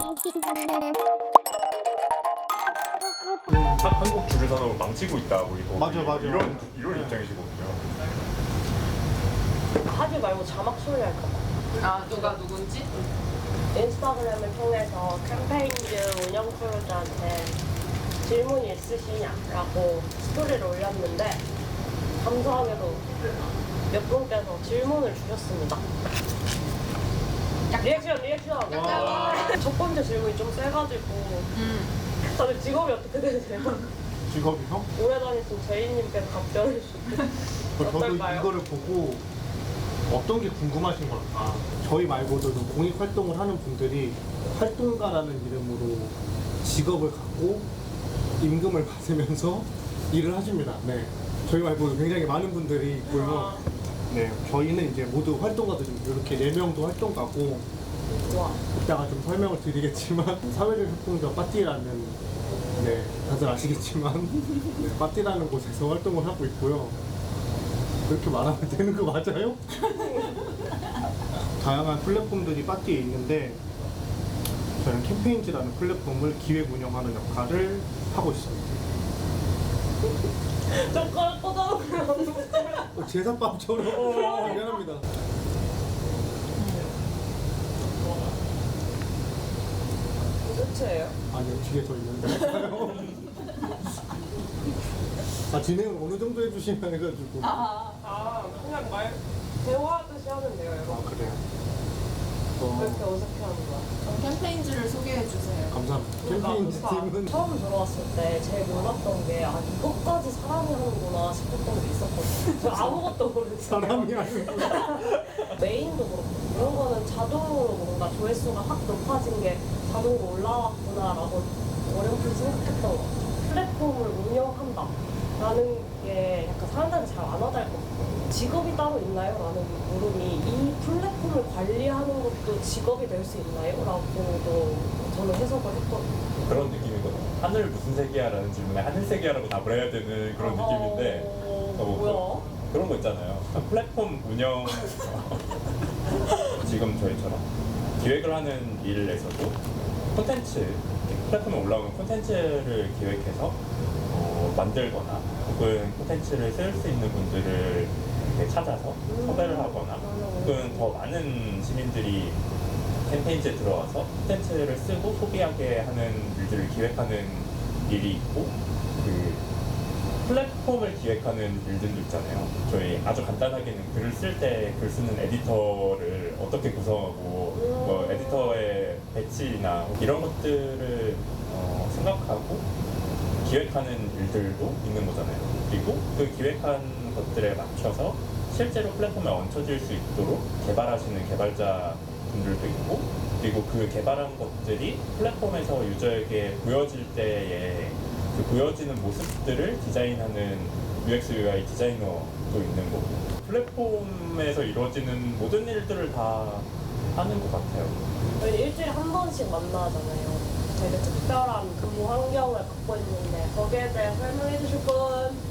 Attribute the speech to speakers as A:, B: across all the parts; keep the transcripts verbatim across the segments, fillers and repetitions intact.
A: 한- 한국 주류 산업을 망치고 있다 뭐 이거
B: 맞아, 맞아.
A: 이런 이런 입장이시거든요.
C: 하지 말고 자막 처리할까봐.
D: 아 누가 누군지?
C: 인스타그램을 통해서 캠페인즈 운영 크루들한테 질문이 있으시냐라고 스토리를 올렸는데 감사하게도 몇 분께서 질문을 주셨습니다. 리액션 리액션! 첫 번째 질문이 좀 세가지고
D: 음.
C: 다들 직업이 어떻게 되세요?
B: 직업이요?
C: 오래 다니신 제이님께서 답변을 주시고
B: 저도
C: 어떨까요?
B: 이거를 보고 어떤 게 궁금하신 걸까? 저희 말고도 공익 활동을 하는 분들이 활동가라는 이름으로 직업을 갖고 임금을 받으면서 일을 하십니다. 네. 저희 말고도 굉장히 많은 분들이 있고요. 네. 저희는 이제 모두 활동가들입니다. 이렇게 네 명도 활동가고,
C: 와.
B: 이따가 좀 설명을 드리겠지만, 사회적 협동조 빠띠라는, 네, 다들 아시겠지만, 네, 빠띠라는 곳에서 활동을 하고 있고요. 그렇게 말하면 되는 거 맞아요? 다양한 플랫폼들이 빠띠에 있는데 저는 캠페인즈라는 플랫폼을 기획 운영하는 역할을 하고 있습니다.
C: 젓가락 꽂아놓으면
B: 어, 제사밥처럼 미안합니다.
C: 끝이에요?
B: 아니요, 뒤에 더 있는데. 아, 진행을 어느 정도 해주시면 해가지고. 아,
C: 아 그냥 말 대화하듯이 하면 돼요 여러분.
B: 그래요?
C: 왜 이렇게
B: 어,
C: 어색해하는 거야?
D: 그럼 캠페인지를 소개해 주세요.
B: 감사합니다.
C: 그러니까
B: 캠페인즈 팀은
C: 처음 들어왔을 때 제일 몰랐던 게 아 이것까지 사람이 하는구나 싶었던 게 있었거든요. 저 아무것도 모르는
B: 사람이 아니고.
C: 메인도 그렇고 이런 거는 자동으로 뭔가 조회수가 확 높아진 게 자동으로 올라왔구나라고 어렴풋이 생각했던 것 같아요. 플랫폼을 운영한다 라는 게 약간 사람들한테 잘 안 와닿았거든요. 직업이 따로 있나요? 라는 물음이 이 플랫폼을 관리하는 것도 직업이 될 수 있나요? 라고도 저는 해석을 했거든요.
A: 그런 느낌이거든요. 하늘 무슨 색이야? 라는 질문에 하늘색이야라고 답을 해야 되는 그런 느낌인데
C: 어...
A: 어, 뭐
C: 뭐야?
A: 그, 그런 거 있잖아요. 플랫폼 운영 지금 저희처럼 기획을 하는 일에서도 콘텐츠 플랫폼에 올라오는 콘텐츠를 기획해서 어, 만들거나 혹은 콘텐츠를 쓸 수 있는 분들을 이렇게 찾아서 섭외를 하거나 혹은 더 많은 시민들이 캠페인지에 들어와서 콘텐츠를 쓰고 소비하게 하는 일들을 기획하는 일이 있고 그 플랫폼을 기획하는 일들도 있잖아요. 저희 아주 간단하게는 글을 쓸 때 글 쓰는 에디터를 어떻게 구성하고 뭐 에디터의 배치나 이런 것들을 어, 생각하고 기획하는 일들도 있는 거잖아요. 그리고 그 기획한 것들에 맞춰서 실제로 플랫폼에 얹혀질 수 있도록 개발하시는 개발자 분들도 있고 그리고 그 개발한 것들이 플랫폼에서 유저에게 보여질 때에 그 보여지는 모습들을 디자인하는 유엑스 유아이 디자이너도 있는 거고 플랫폼에서 이루어지는 모든 일들을 다 하는 것 같아요.
C: 저희 일주일에 한 번씩 만나잖아요. 되게 특별한 근무 환경을 갖고 있는데 거기에 대해 설명해 주실 분?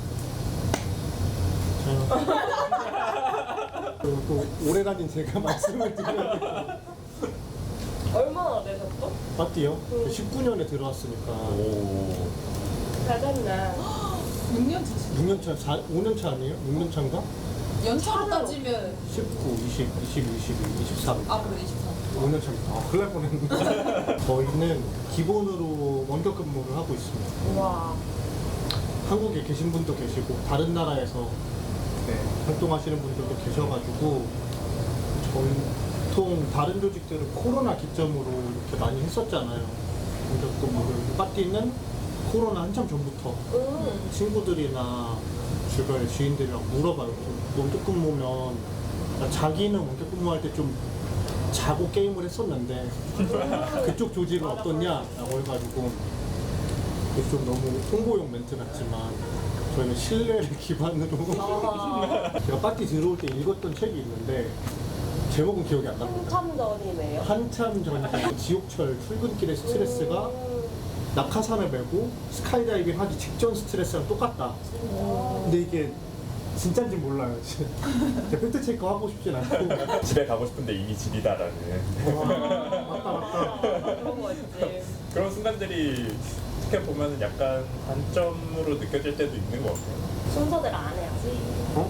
B: 그리고 또 오래 다닌 제가 말씀을 드려야 돼요.
C: 얼마나 되셨죠?
B: 빠띠요? 십구 년에 들어왔으니까
A: 오.
C: 잘 됐네.
D: 육 년 차시.
B: 육 년 차, 사, 오 년 차 아니에요? 육 년 차인가?
D: 연차로 따지면
B: 십구, 이십, 이십일, 이십이, 이십삼.
D: 아 그래 이십삼.
B: 오 년 차입니다. 아, 큰일 날 뻔했네. 저희는 기본으로 원격 근무를 하고 있습니다.
C: 우와.
B: 한국에 계신 분도 계시고 다른 나라에서 네, 활동하시는 분들도 계셔가지고 저희 보통 다른 조직들은 코로나 기점으로 이렇게 많이 했었잖아요. 원격 근무를. 빠띠는 코로나 한참 전부터
C: 음.
B: 친구들이나 주변의 지인들이랑 물어봐요. 원격 근무면 자기는 원격 근무할 때 좀 자고 게임을 했었는데 그쪽 조직은 어떻냐라고 해가지고 이게 좀 너무 홍보용 멘트 같지만 저희는 신뢰를 기반으로
C: 아,
B: 제가 빠띠 들어올 때 읽었던 책이 있는데 제목은 기억이 안 납니다.
C: 한참 전이네요.
B: 한참 전에 지옥철 출근길의 스트레스가
C: 음.
B: 낙하산을 메고 스카이다이빙 하기 직전 스트레스랑 똑같다. 근데 이게 진짜인지 몰라요. 제가 팩트 체크 하고 싶진 않고.
A: 집에 가고 싶은데 이미 집이다라는.
B: 와, 맞다 맞다.
C: 그런 거 있죠.
A: 프로그램들이 어떻게 보면 약간 단점으로 느껴질 때도 있는 것 같아요.
C: 순서대로 안 해야지.
B: 어?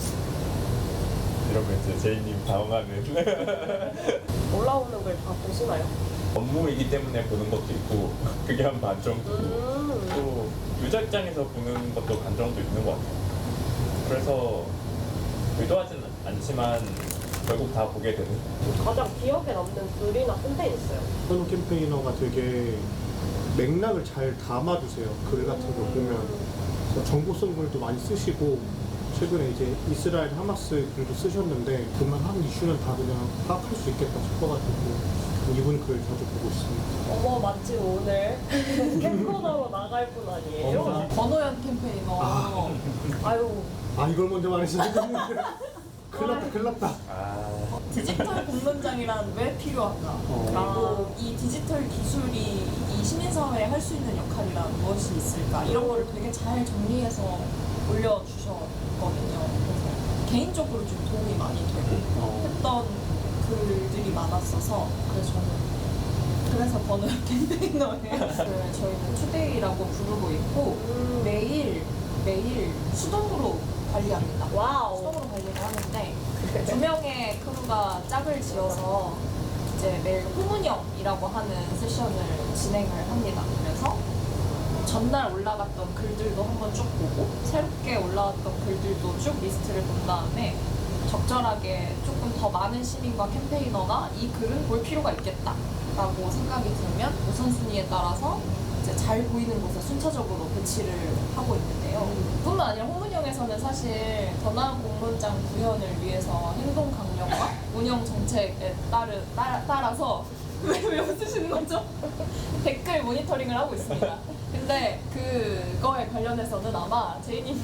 A: 이러면 이제 제이님 당황하는
C: 올라오는 걸 다 보시나요?
A: 업무이기 때문에 보는 것도 있고 그게 한 반 정도.
C: 음.
A: 또 유저 입장에서 보는 것도 반정도 있는 것 같아요. 그래서 의도하진 않지만 결국 다 보게 되는.
C: 가장 기억에 남는 글이나 콘텐츠 있어요.
B: 선우 캠페이너가 되게 맥락을 잘 담아주세요. 글 같은 거 보면. 그래서 정보성 글도 많이 쓰시고, 최근에 이제 이스라엘 하마스 글도 쓰셨는데, 그만 한 이슈는 다 그냥 파악할 수 있겠다 싶어가지고, 이분 글 자주 보고 있습니다.
C: 어머 마침 오늘 캠코너로 나갈 분 아니에요?
B: 어머.
D: 권호연 캠페이너.
B: 아.
C: 아유
B: 아, 이걸 먼저 말했어야 되는데. 큰일 났다, 큰일 났다.
A: 아,
D: 디지털 공론장이란 왜 필요한가?
B: 어.
D: 그리고 이 디지털 기술이 이 시민사회에 할 수 있는 역할이란 무엇이 있을까? 이런 거를 되게 잘 정리해서 올려주셨거든요. 그래서 개인적으로 좀 도움이 많이 되고
B: 어.
D: 했던 글들이 많았어서 그래서 저는 그래서 번호연 캠페이너예요. 그 저희는 투데이라고 부르고 있고
C: 음.
D: 매일 매일 수동으로 관리합니다.
C: 와우.
D: 수동으로 관리를 하는데 두 명의 크루가 짝을 지어서 이제 매일 후문형이라고 하는 세션을 진행을 합니다. 그래서 전날 올라갔던 글들도 한번 쭉 보고 새롭게 올라왔던 글들도 쭉 리스트를 본 다음에 적절하게 조금 더 많은 시민과 캠페이너가 이 글은 볼 필요가 있겠다라고 생각이 들면 우선순위에 따라서 이제 잘 보이는 곳에 순차적으로 배치를 하고 있는데요. 뿐만 아니라 홍문영에서는 사실 더 나은 공론장 구현을 위해서 행동 강령과 운영 정책에 따르, 따라, 따라서 왜, 왜 웃으시는 거죠? 댓글 모니터링을 하고 있습니다. 근데 그거에 관련해서는 아마 제이님이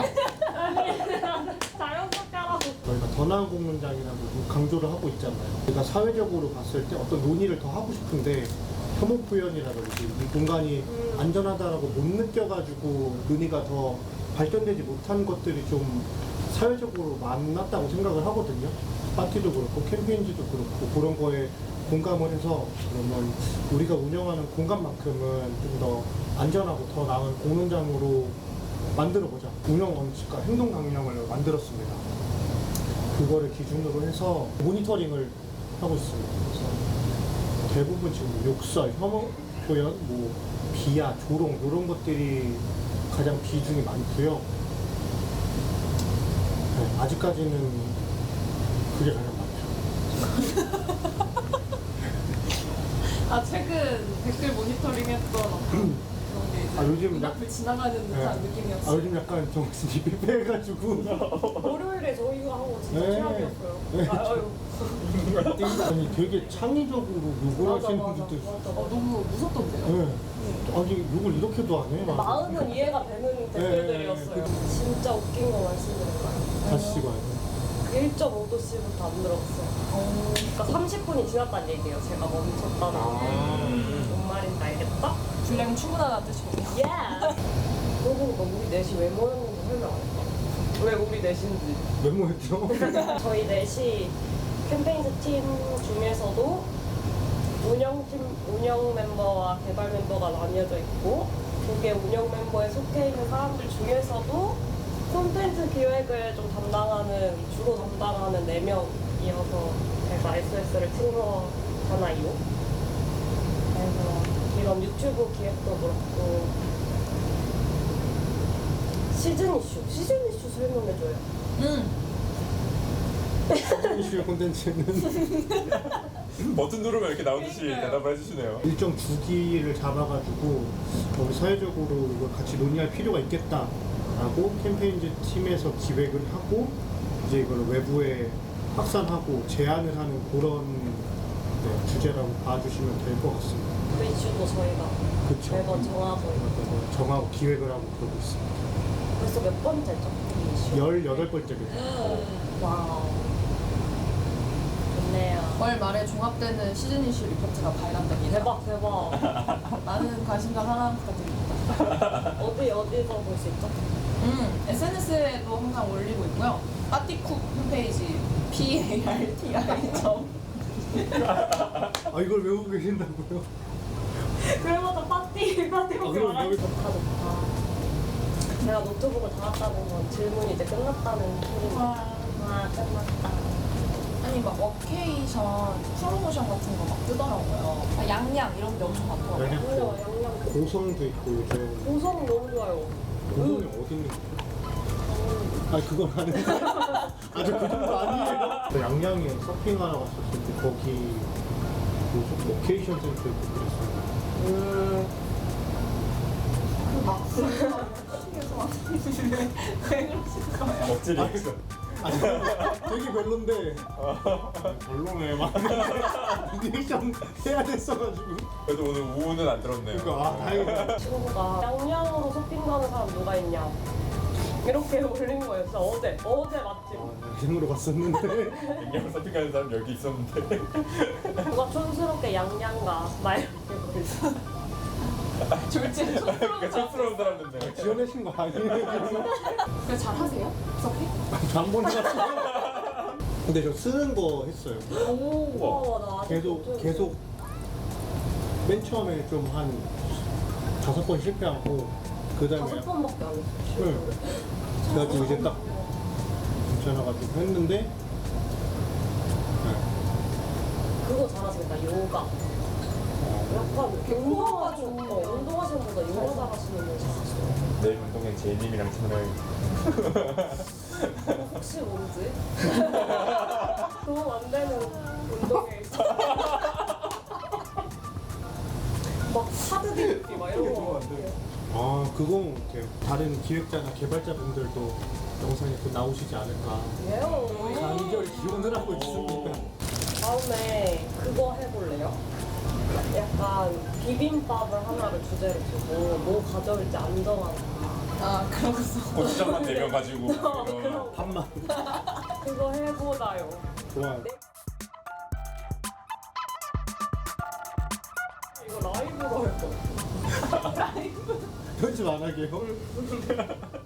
C: 자연스럽게 하라고.
B: 저희가 더 나은 공론장이라고 강조를 하고 있잖아요. 그러니까 사회적으로 봤을 때 어떤 논의를 더 하고 싶은데 혐오 표현이라든지 이 공간이
C: 음.
B: 안전하다라고 못 느껴가지고 논의가 더 발전되지 못한 것들이 좀 사회적으로 많았다고 생각을 하거든요. 파티도 그렇고 캠페인지도 그렇고 그런 거에 공감을 해서 그러면 우리가 운영하는 공간만큼은 좀 더 안전하고 더 나은 공론장으로 만들어보자. 운영 원칙과 행동 강령을 만들었습니다. 그거를 기준으로 해서 모니터링을 하고 있습니다. 그래서 대부분 지금 욕설, 혐오 표현, 뭐 비하, 조롱 이런 것들이 가장 비중이 많고요. 네, 아직까지는 그게 가장 많죠.
D: 아 최근 댓글 모니터링했던 어떤 그런 게 이제
B: 아, 요즘
D: 눈앞을 지나가는 듯한
B: 네.
D: 느낌이었어요.
B: 아, 요즘 약간 정신이 삐빼해가지고
C: 월요일에 저희가 하고 진짜
B: 네.
C: 최악이었어요.
B: 네.
C: 아유.
B: 아니 되게 창의적으로 욕을
C: 맞아
B: 하시는
C: 맞아
B: 분들도 있어요.
C: 맞아.
D: 어, 너무 무섭던데요?
B: 네. 아니 욕을 이렇게도 안 해?
C: 마음은 이해가 되는 댓글들이었어요.
B: 네, 네,
C: 진짜 웃긴 거 말씀드릴까요?
B: 다시 봐요.
C: 일 점 오 도씨부터 안 들었어요. 그러니까 삼십 분이 지났다는 얘기예요. 제가 멈췄다는
B: 아.
C: 게. 뭔 말인지 알겠다?
D: 분량 충분하다는 뜻이거든요.
C: 예! 그러고 보니까 우리 넷이 왜 모였는지 설명 안 했다. 왜 우리 넷인지.
B: 메모했죠?
C: 저희 넷이 캠페인즈 팀 중에서도 운영팀, 운영 멤버와 개발 멤버가 나뉘어져 있고 두 개 운영 멤버에 속해 있는 사람들 중에서도 콘텐츠 기획을 좀 담당하는, 주로 담당하는 네 명이어서 제가 에스에스를 팀으로하나요. 그래서 이런 유튜브 기획도 그렇고 시즌 이슈, 시즌 이슈 설명해줘요.
D: 음.
B: 이슈의 콘텐츠는
A: 버튼 누르면 이렇게 나오듯이
D: 그러니까요.
A: 대답을 해주시네요.
B: 일정 주기를 잡아가지고 우리 사회적으로 이걸 같이 논의할 필요가 있겠다라고 캠페인즈 팀에서 기획을 하고 이제 이걸 외부에 확산하고 제안을 하는 그런 네, 주제라고 봐주시면 될 것 같습니다.
C: 그 이슈도 저희가
B: 그쵸.
C: 매번 정하고
B: 네, 정하고 기획을 하고 그러고 있습니다.
C: 벌써 몇 번째죠? 이 이슈?
B: 열여덟 번째입니다.
C: 와우. 좋네요.
D: 월 말에 종합되는 시즌 이슈 리포트가 발간됩니다.
C: 대박 대박.
D: 많은 관심과 사랑 부탁드립니다.
C: 어디 어디서 볼 수 있죠?
D: 음, 에스엔에스에도 항상 올리고 있고요. 빠티쿡 홈페이지 parti.
B: 아 이걸 외우고 계신다고요?
C: 그래마다 파티 파티
B: 아,
C: 먹기
B: 그럼
C: 말하는
B: 여기-
C: 좋다 좋다. 내가 노트북을 달았다는 건 질문이 이제 끝났다는 소리니까.
D: 와.
C: 아 끝났다.
D: 아니 막 워케이션 프로모션 같은 거 막 뜨더라고요. 막 양양 이런 데 엄청 많더라고요.
B: 양양.
C: 양념 양념.
B: 고성도 있고 요즘
C: 고성 너무 좋아요.
B: 고성이 어디 있는 거야? 아니 그건 아닌데 아직 그 정도 아니에요. 저 양양에 서핑하러 갔었을 때 거기 무슨 로케이션 센터 있고 그랬어요.
C: 음.
D: 막 시에서 왔는데 왜 그러시는 거예요?
A: 먹지 리액션.
B: 아니 되게 별론데 별로네 막 리액션 해야 됐어가지고
A: 그래도 오늘 우는 안 들었네요.
B: 그러니까 아 다행이다.
C: 친구가 양양으로 쇼핑 가는 사람 누가 있냐 이렇게 올린 거예요. 진짜 어제 어제 마침.
B: 아, 생으로 갔었는데
A: 양양 서핑하는 사람 여기 있었는데.
C: 누가 촌스럽게 양양 가. 막 이렇게 올리죠.
D: 졸지는 촌스러운
A: 그 촌스러운 사람인데.
B: 지원하신 거 아니에요?
D: 그래 잘 하세요? 서핑?
B: 한번 해봤어요. 근데 저 쓰는 거 했어요.
C: 오, 나 아직
B: 계속
C: 못
B: 계속 맨 처음에 좀 한 다섯 번 실패하고 그 다음에
C: 다섯 번밖에 안 했어.
B: 응. 그래가지고 이제 딱 괜찮아가지고 했는데 네.
C: 그거 잘하시겠다. 요가. 약간 운동하시는 어, 운동하시는 분보다 요가 잘하시는 분 잘하시더라고요.
A: 내일 운동엔 제이님이랑 참여해야겠다.
C: 혹시 뭔지? 도움 안 되는 운동에 있어. 막 하드 디스키 막 이런 거.
B: 아 그거 못해요. 다른 기획자나 개발자분들도 영상에 또 나오시지 않을까
C: 예요.
B: 간절 기원을 하고 있습니다.
C: 다음에 그거 해볼래요? 약간 비빔밥을 하나를 주제로 두고 뭐 가져올지 안 정하는
D: 아 그러고서
A: 고추장만 내면 가지고.
C: 거.
A: 이런.
C: 그럼
B: 밥만
C: 그거 해보자요.
B: 좋아요.
C: 이거 라이브로 할 거.
B: 편집 안 하게요?